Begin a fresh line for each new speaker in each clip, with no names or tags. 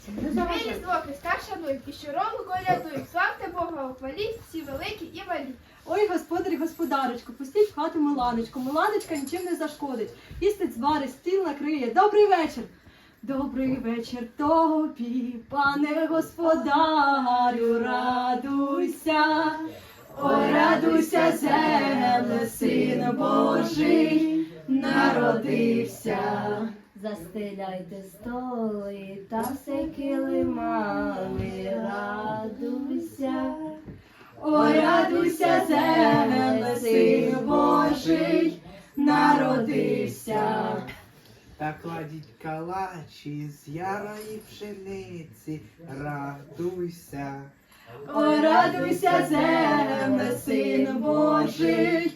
Дві Різдво Христа шанують, і щороку колядують. Славте Бога, ухваліть, всі великі і малі.
Ой, господарі, господарочку, пустіть в хату Миланочку. Миланочка нічим не зашкодить. Їстить, зварить, стіл накриє. Добрий вечір! Добрий вечір тобі, пане господарю, радуйся. Ой, радуйся, земле, син Божий народився.
Застеляйте столи та все килимами, радуйся.
Ой, радуйся, земле, син Божий народився.
Та кладіть калачі з ярої пшениці, радуйся.
Ой, радуйся, земле, син Божий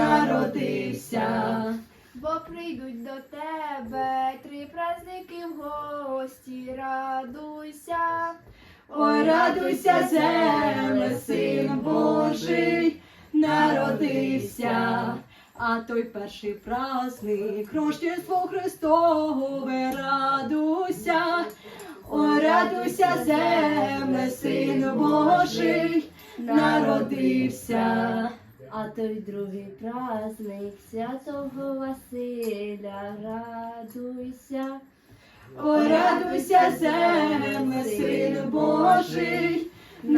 народився.
Бо прийдуть до тебе три праздники в гості, радуйся.
Ой, радуйся, земле, син Божий народився. А той перший праздник, Рождество Христове, радуйся. Ой, радуйся, земле, син Божий народився.
А той другий праздник Святого Василя, радуйся.
Ой, радуйся, земле, син Божий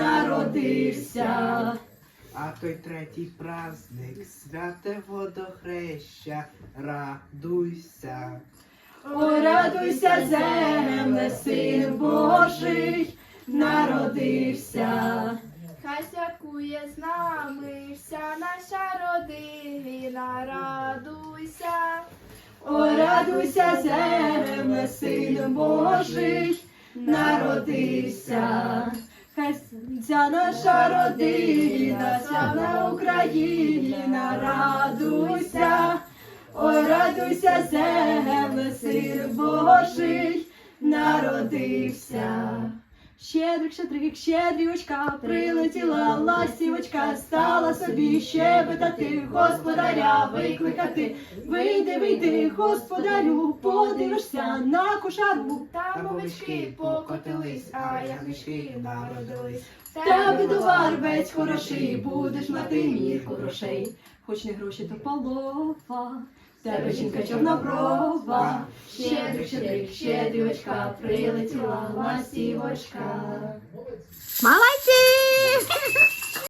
народився.
А той третій праздник, святе водохреща, радуйся.
Ой, радуйся, земле, син Божий народився.
Хай святкує з нами вся наша родина, радуйся.
Ой, радуйся, земле, син Божий народився. Хай ця наша родина, славна Україна, радуйся. Ой, радуйся, земле, син Божий народився. Щедрик, щедрик, щедрівочка, прилетіла ластівочка, стала собі щебетати, господаря викликати. Вийди, вийди, господарю, подивишся на кошару.
Там овечки покотились, а ягнички народились.
Тебе товар весь хороший, будеш мати мірку грошей. Хоч не гроші, то полова, тебе жінка чорноброва. Щедрик, щедрик, щедрівочка, прилетіла ластівочка.
Молодці!